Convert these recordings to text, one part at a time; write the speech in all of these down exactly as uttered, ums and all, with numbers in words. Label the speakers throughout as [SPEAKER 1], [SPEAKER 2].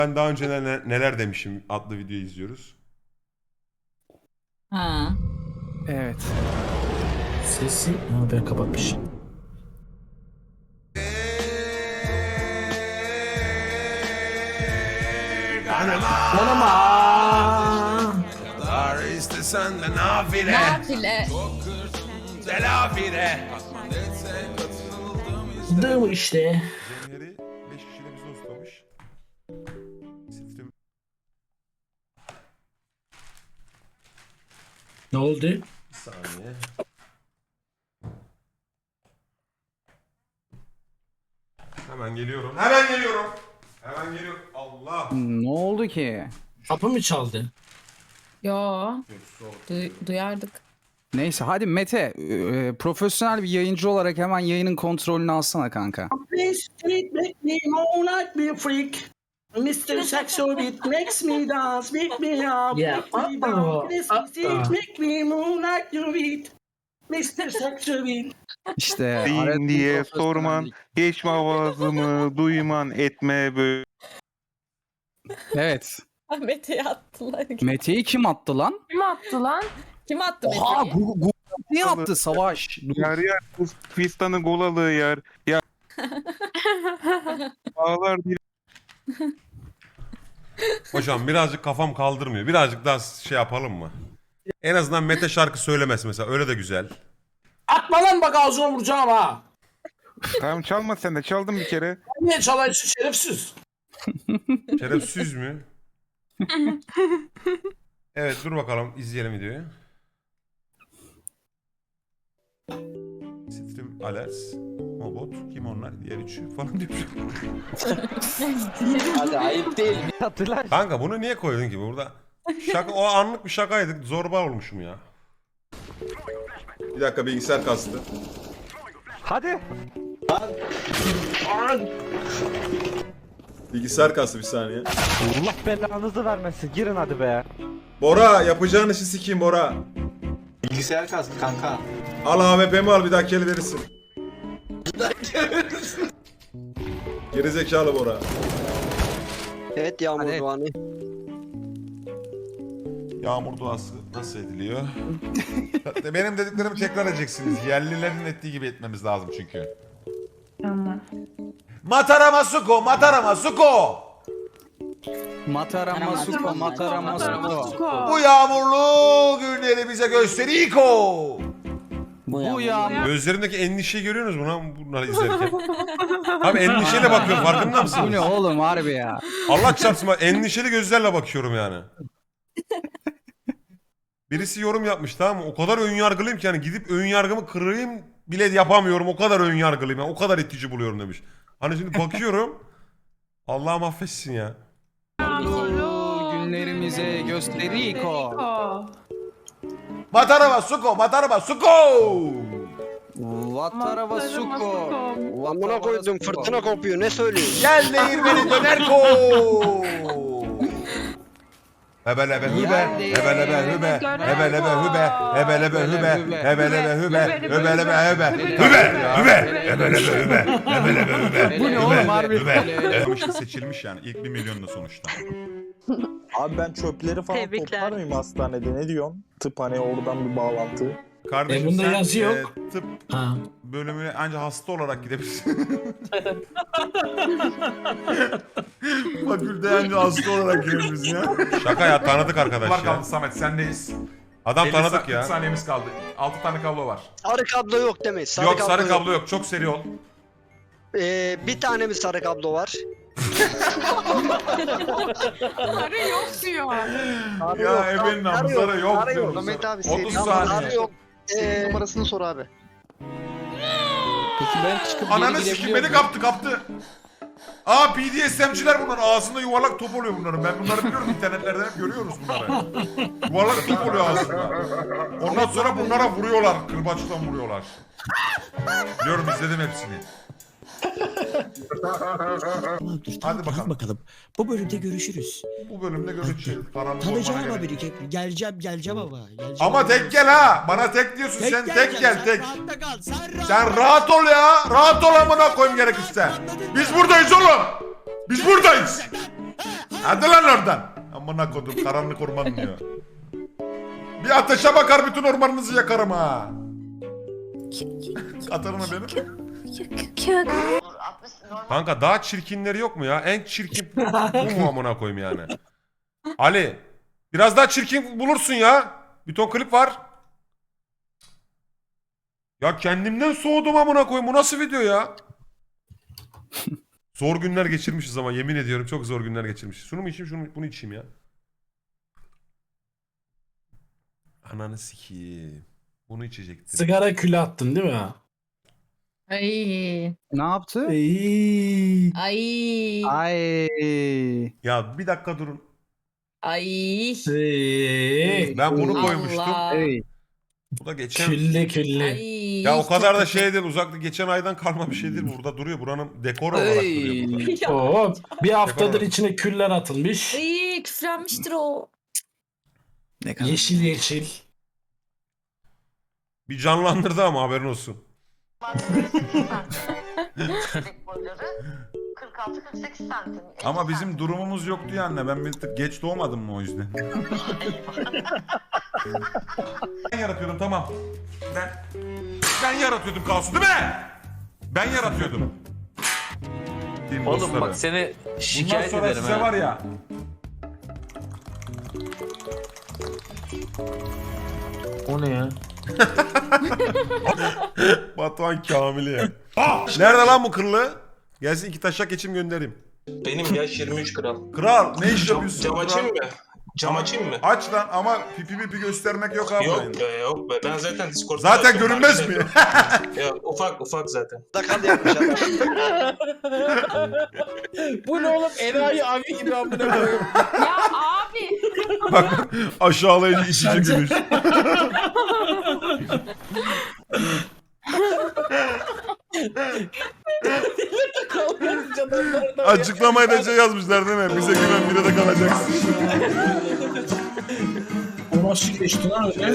[SPEAKER 1] Ben daha önce neler, neler demişim adlı videoyu izliyoruz.
[SPEAKER 2] Ha.
[SPEAKER 3] Evet.
[SPEAKER 4] Sesi ha, ben kapatmışım. Anama.
[SPEAKER 1] Dar istesen de nafile.
[SPEAKER 2] Nafile.
[SPEAKER 1] Selafile.
[SPEAKER 4] Dım işte.
[SPEAKER 1] Zemheri beş kişiyle bizi ustamış. Siftim.
[SPEAKER 4] Ne oldu?
[SPEAKER 1] Bir saniye. Hemen geliyorum. Hemen geliyorum. Hemen geliyorum. Allah.
[SPEAKER 3] Ne oldu ki?
[SPEAKER 4] Kapı mı çaldı?
[SPEAKER 2] Yo. Du- duyardık.
[SPEAKER 3] Neyse hadi Mete, e, profesyonel bir yayıncı olarak hemen yayının kontrolünü alsana kanka.
[SPEAKER 4] Please treat make me moonlight be a freak. mister Sexual Beat makes me dance, beat me up,
[SPEAKER 5] Yeah.
[SPEAKER 4] make me
[SPEAKER 5] Uh-oh.
[SPEAKER 4] down. This
[SPEAKER 5] Uh-oh.
[SPEAKER 4] make me moonlight you beat. mister Sexual Beat.
[SPEAKER 3] İşte
[SPEAKER 6] Din
[SPEAKER 3] aradığım
[SPEAKER 6] diye
[SPEAKER 3] profesyonellik.
[SPEAKER 6] sorman, geçme avazımı, duyman etme böyle.
[SPEAKER 3] Evet.
[SPEAKER 2] Mete'yi attılar.
[SPEAKER 3] Mete'yi kim attı lan?
[SPEAKER 7] Kim attı lan?
[SPEAKER 2] Kim attı
[SPEAKER 3] Oha
[SPEAKER 2] Mete'yi?
[SPEAKER 3] Google Gu- niye attı Savaş? Dur.
[SPEAKER 6] Yar yar, kız fistanı golalı yar. Ya. Ağlar bir
[SPEAKER 1] Hocam birazcık kafam kaldırmıyor. Birazcık daha şey yapalım mı? En azından Mete şarkı söylemesi mesela. Öyle de güzel.
[SPEAKER 4] Atma lan bak ağzına vuracağım ha.
[SPEAKER 6] Tamam çalma sen de, çaldın bir kere.
[SPEAKER 4] Niye çalıyorsun şerefsiz?
[SPEAKER 1] Şerefsiz mü? Evet dur bakalım izleyelim videoyu. Stream Alerts, Mobot, kim onlar? Diğer üçü falan diyor.
[SPEAKER 5] Hadi ayıp değil mi? Hatırlar.
[SPEAKER 1] Kanka bunu niye koydun ki burada? Şaka, o anlık bir şakaydı. Zorba olmuşum ya. Bir dakika bilgisayar kastı.
[SPEAKER 5] Hadi.
[SPEAKER 1] Bilgisayar kastı bir saniye.
[SPEAKER 5] Allah belanızı vermesin. Girin hadi be.
[SPEAKER 1] Bora yapacağın işi sikeyim Bora.
[SPEAKER 8] Bilgisayar kastı kanka.
[SPEAKER 1] Al A W P'mi al bir daha keli verirsin. Geri zekalı Bora.
[SPEAKER 5] Evet Yağmur
[SPEAKER 3] Hadi.
[SPEAKER 5] Doğan'ı.
[SPEAKER 1] Yağmur duası nasıl ediliyor? Benim dediklerimi tekrar edeceksiniz. Yerlilerin ettiği gibi etmemiz lazım çünkü.
[SPEAKER 7] Tamam.
[SPEAKER 1] Matara Masuko, Matara Masuko.
[SPEAKER 3] Matara Masuko, Matara Masuko.
[SPEAKER 1] Bu yağmurlu günleri bize gösteriko.
[SPEAKER 3] Bu yağmur.
[SPEAKER 1] Gözlerindeki endişeyi görüyorsunuz mu lan bunları izlerken? Abi endişeyle bakıyorum farkında
[SPEAKER 3] Bu
[SPEAKER 1] mısınız?
[SPEAKER 3] ne oğlum harbi ya.
[SPEAKER 1] Allah çarpsın bak endişeli gözlerle bakıyorum yani. Birisi yorum yapmış tamam mı? O kadar ön yargılıyım ki yani gidip ön yargımı kırayım bile yapamıyorum. O kadar ön yargılıyım yani. O kadar itici buluyorum demiş. Hani şimdi bakıyorum. Allah'ım affetsin ya.
[SPEAKER 3] Günlerimize gösteriko.
[SPEAKER 1] Mataraba suko, mataraba suko.
[SPEAKER 3] Vatara Vasuko.
[SPEAKER 5] Amına koydum fırtına kopuyor ne söylüyorsun?
[SPEAKER 1] Gel değirmeni döner ko. Hebelebe hübe, hebelebe hübe, hebelebe hübe, hebelebe hübe, hebelebe hübe, hebelebe hübe, hübe, hübe, hebelebe hübe, hebelebe hübe.
[SPEAKER 3] Bu ne oğlum harbi?
[SPEAKER 1] Hübe. Seçilmiş yani ilk bir milyonla sonuçta.
[SPEAKER 9] Abi ben çöpleri falan
[SPEAKER 7] Tebrikler.
[SPEAKER 9] toplar mıyım hastanede, ne diyorsun? Tıp hani oradan bir bağlantı.
[SPEAKER 1] Kardeşim
[SPEAKER 4] E, bunda
[SPEAKER 1] sen
[SPEAKER 4] yazı yok.
[SPEAKER 1] e, tıp
[SPEAKER 4] Ha.
[SPEAKER 1] bölümüne ancak hasta olarak gidebilirsin. Fakülte ancak hasta olarak girebilirsin ya. Şaka ya tanıdık arkadaş
[SPEAKER 10] Var
[SPEAKER 1] ya.
[SPEAKER 10] kaldı Samet sendeyiz.
[SPEAKER 1] Adam
[SPEAKER 10] elli
[SPEAKER 1] tanıdık
[SPEAKER 10] sa-
[SPEAKER 1] ya.
[SPEAKER 10] kırk saniyemiz kaldı. altı tane kablo var.
[SPEAKER 5] Sarı kablo yok demeyiz. Sarı
[SPEAKER 1] Yok sarı
[SPEAKER 5] yok.
[SPEAKER 1] kablo yok çok seri ol.
[SPEAKER 5] Ee, bir tane mi sarı kablo var?
[SPEAKER 7] Sarı yok diyor.
[SPEAKER 5] Sarı
[SPEAKER 10] Ya
[SPEAKER 5] yok,
[SPEAKER 10] ebenin
[SPEAKER 5] sarı
[SPEAKER 10] namı
[SPEAKER 5] yok,
[SPEAKER 10] sarı yok
[SPEAKER 5] sarı
[SPEAKER 10] diyoruz.
[SPEAKER 5] Samet abi
[SPEAKER 10] otuz
[SPEAKER 5] seri
[SPEAKER 10] saniye.
[SPEAKER 5] sarı yok. Ee,
[SPEAKER 8] Numarasını sor abi.
[SPEAKER 3] Peki ben çıkıp
[SPEAKER 1] Ananı sikim beni kaptı kaptı. Aa P D S M'ciler bunlar. Ağzında yuvarlak top oluyor bunların. Ben bunları biliyorum internetlerden hep görüyoruz bunları. Yuvarlak top oluyor ağzında. Ondan sonra bunlara vuruyorlar. Kırbaçtan vuruyorlar. Biliyorum izledim hepsini. Hadi bakalım.
[SPEAKER 4] bakalım. Bu bölümde görüşürüz.
[SPEAKER 1] Bu bölümde görüşeceğiz. Karanlık
[SPEAKER 4] Tanıyacağım
[SPEAKER 1] ormana
[SPEAKER 4] ama
[SPEAKER 1] gerek.
[SPEAKER 4] bir geleceğim geleceğim ama. Geleceğim
[SPEAKER 1] Ama tek gel ha. Bana tek diyorsun sen tek gel
[SPEAKER 4] sen
[SPEAKER 1] tek.
[SPEAKER 4] rahatta kal, sen rahat.
[SPEAKER 1] Sen rahat ol ya. Rahat ol amına koyayım gerekirse. Biz buradayız oğlum. Biz buradayız.
[SPEAKER 4] Ha,
[SPEAKER 1] Hadi lan oradan. Amına kodum karanlık orman diyor. Bir ateşe bakar bütün ormanınızı yakarım ha. Katarına benim. Kanka daha çirkinleri yok mu ya? En çirkin bu mu amına koyayım yani? Ali biraz daha çirkin bulursun ya. Bir ton klip var. Ya kendimden soğudum amına koyayım. Bu nasıl video ya? Zor günler geçirmişiz ama yemin ediyorum çok zor günler geçirmişiz. Şunu mu içeyim, şunu bunu içeyim ya. Ananı sikeyim. Bunu içecektim.
[SPEAKER 4] Sigara külü attın değil mi?
[SPEAKER 2] Ay.
[SPEAKER 3] Ne yaptı?
[SPEAKER 4] Ey.
[SPEAKER 2] Ay.
[SPEAKER 3] Ay.
[SPEAKER 1] Ya bir dakika durun.
[SPEAKER 2] Ay.
[SPEAKER 4] Ey.
[SPEAKER 1] Ben bunu koymuştum.
[SPEAKER 2] Allah.
[SPEAKER 3] Hey.
[SPEAKER 1] Bu da geçen...
[SPEAKER 4] Külli külli.
[SPEAKER 2] Ay.
[SPEAKER 1] Ya o kadar da şey değil, uzakta geçen aydan kalma bir şey değil. Burada duruyor. Buranın dekor olarak duruyor burada.
[SPEAKER 2] Ya.
[SPEAKER 4] Oo, bir haftadır
[SPEAKER 1] Yapamam.
[SPEAKER 4] içine küller atılmış.
[SPEAKER 2] Ay, küflenmiştir o.
[SPEAKER 3] Ne kadar?
[SPEAKER 4] Yeşil yeşil.
[SPEAKER 1] Bir canlandırdı ama haberin olsun.
[SPEAKER 7] kırk altı kırk sekiz santim.
[SPEAKER 1] Ama bizim durumumuz yoktu ya anne. Ben bir tık geç doğmadım mı o yüzden? Ben yaratıyordum tamam. Ben ben yaratıyordum kaosu değil mi? Ben yaratıyordum. Diyeyim
[SPEAKER 8] Oğlum
[SPEAKER 1] dostlara.
[SPEAKER 8] bak seni
[SPEAKER 1] Bundan
[SPEAKER 8] şikayet
[SPEAKER 1] sonra
[SPEAKER 8] ederim
[SPEAKER 1] size
[SPEAKER 8] ha.
[SPEAKER 1] var ya.
[SPEAKER 4] O ne ya?
[SPEAKER 1] Batuhan Kamil'i ya. Ah! Nerede lan bu kırlı? Gelsin iki taşak geçim göndereyim.
[SPEAKER 11] Benim yaş yirmi üç kral.
[SPEAKER 1] Kral ne iş yapıyorsun?
[SPEAKER 11] Cam
[SPEAKER 1] kral?
[SPEAKER 11] açayım mı? Cam açayım mı?
[SPEAKER 1] Aç lan ama pipi pipi göstermek yok abi.
[SPEAKER 11] Yok be yok be. Ben zaten Discord'da...
[SPEAKER 1] Zaten görünmez mi?
[SPEAKER 11] Ya ufak ufak zaten.
[SPEAKER 5] Sakal yapmış adam.
[SPEAKER 4] Bu ne oğlum? Enayi abi gibi amına koyayım.
[SPEAKER 7] Ya abi.
[SPEAKER 1] Bak aşağılayıcı işici gülüş. Açıklamaya da şey yazmışlar değil mi? Bize güven bire de kalacaksın.
[SPEAKER 4] O nasıl geçti lan öyle?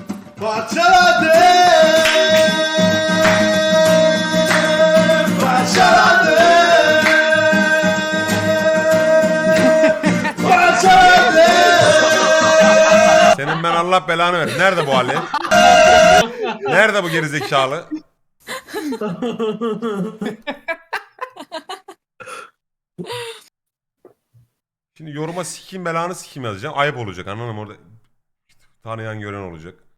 [SPEAKER 1] Senin ben Allah belanı ver. Nerede bu Ali? Nerede bu gerizekalı? Şimdi yoruma sikeyim belanı sikeyim yazacağım. Ayıp olacak anladın mı? Orada tanıyan gören olacak.